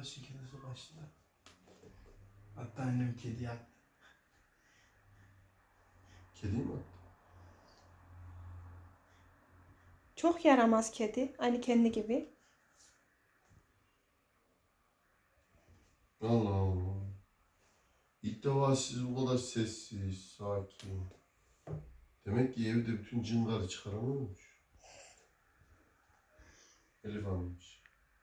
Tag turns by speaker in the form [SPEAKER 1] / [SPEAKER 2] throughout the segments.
[SPEAKER 1] şekerlisi başladı. Hatta annem kedi yaptı.
[SPEAKER 2] Kedi mi?
[SPEAKER 3] Çok yaramaz kedi. Aynı kendi gibi.
[SPEAKER 2] Allah Allah. İlk defa siz bu kadar sessiz, sakin. Demek ki evde bütün cıngarı çıkaran olmuş. Elif almış.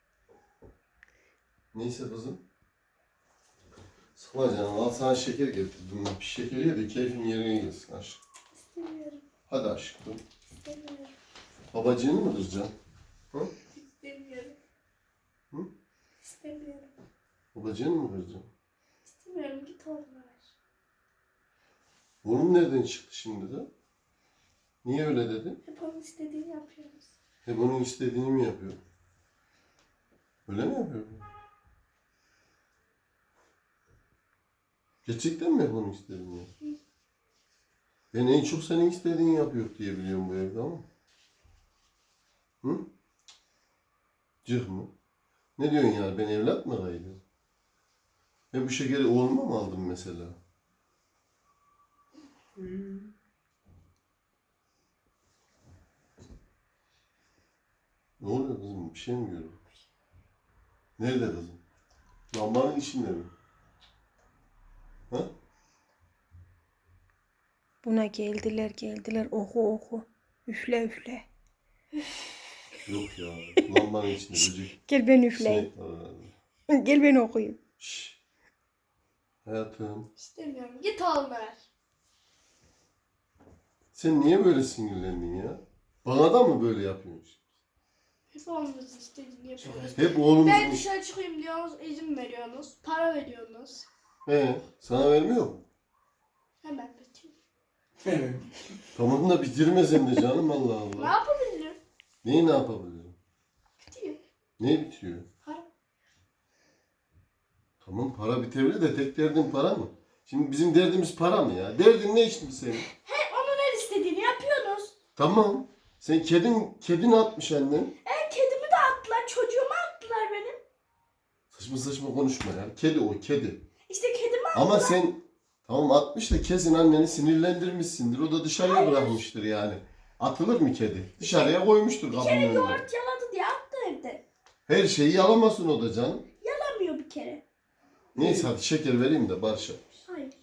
[SPEAKER 2] Neyse kızım. Sıla canım, al sana şeker getirdim. Bir şeker ye de keyfin yerine gelsin aşkım.
[SPEAKER 3] İstemiyorum.
[SPEAKER 2] Hadi aşkım.
[SPEAKER 3] İstemiyorum.
[SPEAKER 2] Babacığını mı kıracaksın? Hı?
[SPEAKER 3] İstemiyorum.
[SPEAKER 2] Hı?
[SPEAKER 3] İstemiyorum.
[SPEAKER 2] Babacığını mı kıracaksın?
[SPEAKER 3] İstemiyorum. Git onlar.
[SPEAKER 2] Bunun nereden çıktı şimdi de? Niye öyle dedin?
[SPEAKER 3] Hep onun istediğini yapıyoruz.
[SPEAKER 2] Hep onun istediğini mi yapıyor? Öyle mi yapıyor? Gerçekten mi hep onun istediğini yapıyor? Ben en çok senin istediğini yapıyor diye biliyorum bu evde ama. Hı? Cık mı? Ne diyorsun yani? Ben evlat mı arayacağım? Ben bu şekeri oğluma mı aldım mesela? Ne oluyor kızım? Bir şey mi görüyorsun? Nerede kızım? Lambanın içinde mi? Ha?
[SPEAKER 3] Buna geldiler. Oku oku. Üfle üfle.
[SPEAKER 2] Yok ya. Lambanın içinde böcek.
[SPEAKER 3] Gel ben üfleyeyim.
[SPEAKER 2] Sinek var herhalde.
[SPEAKER 3] Gel ben okuyayım.
[SPEAKER 2] Şşş. Hayatım.
[SPEAKER 4] İstemiyorum. Git al ver.
[SPEAKER 2] Sen niye böyle sinirlendin ya? Bana da mı böyle yapıyorsun?
[SPEAKER 4] Hep oğlumuzun istediğini yapıyoruz.
[SPEAKER 2] Hep oğlumuzun...
[SPEAKER 4] Ben dışarı çıkayım diyorsunuz, izin veriyorsunuz, para veriyorsunuz.
[SPEAKER 2] Sana vermiyor mu?
[SPEAKER 4] Hemen bitiyor.
[SPEAKER 1] Evet.
[SPEAKER 2] Tamam da bitirmesem de canım Allah
[SPEAKER 4] Ne
[SPEAKER 2] Allah.
[SPEAKER 4] yapabilirim?
[SPEAKER 2] Neyi ne yapabilirim?
[SPEAKER 4] Bitiyor.
[SPEAKER 2] Ne bitiyor?
[SPEAKER 4] Para.
[SPEAKER 2] Tamam para bitebilir de tek derdin para mı? Şimdi bizim derdimiz para mı ya? Derdin ne şimdi senin?
[SPEAKER 4] He onun her istediğini yapıyorsunuz.
[SPEAKER 2] Tamam. Sen kedin atmış annen.
[SPEAKER 4] Kedimi de attılar, çocuğumu attılar benim.
[SPEAKER 2] Saçma saçma konuşma ya. Kedi o kedi.
[SPEAKER 4] İşte kedimi
[SPEAKER 2] Ama sen tamam atmış da kesin anneni sinirlendirmişsindir. O da dışarıya
[SPEAKER 4] Hayır.
[SPEAKER 2] bırakmıştır yani. Atılır mı kedi? Dışarıya koymuştur
[SPEAKER 4] bir
[SPEAKER 2] kapının
[SPEAKER 4] kere
[SPEAKER 2] önüne.
[SPEAKER 4] yoğurt yaladı diye attı evde.
[SPEAKER 2] Her şeyi yalamasın o da canım.
[SPEAKER 4] Yalamıyor bir kere.
[SPEAKER 2] Neyse hadi şeker vereyim de Barış'a.
[SPEAKER 4] Hayır.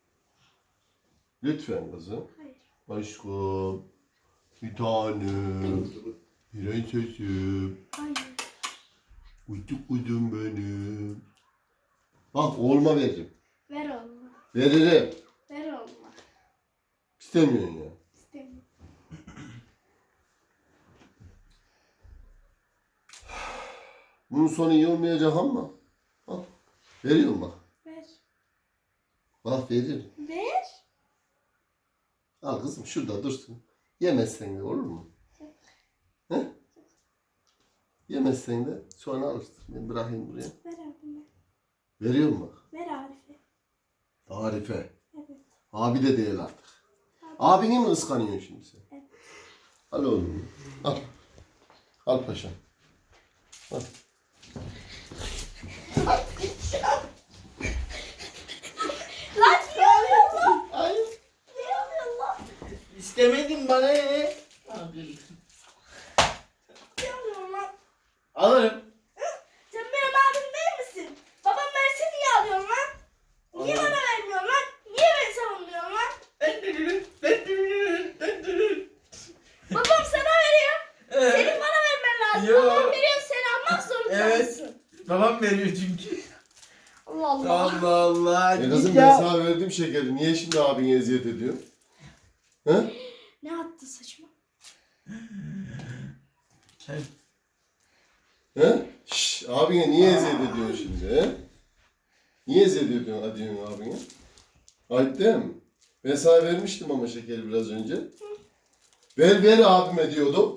[SPEAKER 2] Lütfen kızım.
[SPEAKER 4] Hayır.
[SPEAKER 2] Aşkım. Bir tanem. Prensesim.
[SPEAKER 4] Hayır.
[SPEAKER 2] Uyduk uydum benim. Bak oğluma veririm.
[SPEAKER 4] Ver oğluma.
[SPEAKER 2] Veririm.
[SPEAKER 4] Ver oğluma.
[SPEAKER 2] İstemiyorsun ya.
[SPEAKER 4] İstemiyorum.
[SPEAKER 2] Bunun sonu iyi olmayacak ama. Bak. Veriyorum bak.
[SPEAKER 4] Ver.
[SPEAKER 2] Bak veririm.
[SPEAKER 4] Ver.
[SPEAKER 2] Al kızım şurada dursun. Yemezsen de olur mu? He? Yemezsen de sonra alırsın. Ben bırakayım buraya.
[SPEAKER 4] Ver abime.
[SPEAKER 2] Veriyorum bak.
[SPEAKER 4] Ver Arif'e.
[SPEAKER 2] Tarife.
[SPEAKER 4] Evet.
[SPEAKER 2] Abi de değil artık. Abini mi ıskanıyorsun şimdi sen?
[SPEAKER 4] Evet.
[SPEAKER 2] Al oğlum. Al. Al paşam. Al.
[SPEAKER 4] Lan ne oluyor lan?
[SPEAKER 2] Ay.
[SPEAKER 4] Ne oluyor lan?
[SPEAKER 1] İstemedin bana ne?
[SPEAKER 4] Ne oluyor lan?
[SPEAKER 1] Alırım.
[SPEAKER 4] Sen benim abim değil misin? Babam verse niye alıyorsun lan? Niye bana vermiyorsun lan? Niye beni savunmuyorsun lan? Babam sana veriyor. Senin bana vermen lazım.
[SPEAKER 1] Yo.
[SPEAKER 4] Babam veriyor sen almak zorundasın.
[SPEAKER 1] Evet. Babam veriyor çünkü.
[SPEAKER 4] Allah Allah.
[SPEAKER 1] Allah Allah.
[SPEAKER 2] Kızım
[SPEAKER 1] Git
[SPEAKER 2] ben
[SPEAKER 1] ya.
[SPEAKER 2] sana verdim şekeri. Niye şimdi abini eziyet ediyor? He?
[SPEAKER 4] Ne attı saçma?
[SPEAKER 1] Kel.
[SPEAKER 2] He? Şşş, abine niye eziyet ediyorsun şimdi he? Niye eziyet ediyorsun abine? Ayıp değil mi? Ben sana vermiştim ama şekeri biraz önce. Ver abime diyordum.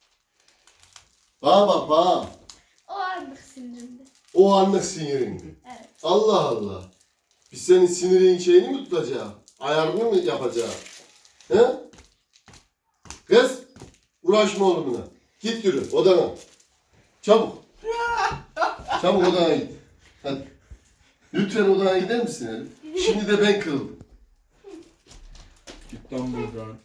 [SPEAKER 2] Bak.
[SPEAKER 4] O anlık sinirinde.
[SPEAKER 2] O anlık sinirindi.
[SPEAKER 4] Evet.
[SPEAKER 2] Allah Allah. Biz senin sinirin şeyini mi tutacağız? Ayarını mı yapacağız? He? Kız, uğraşma oğlumla. Git yürü odana. Çabuk. Çabuk odana git. Hadi. Lütfen odana gider misin Elif? Şimdi de ben kırıldım.
[SPEAKER 1] Git lan buradan.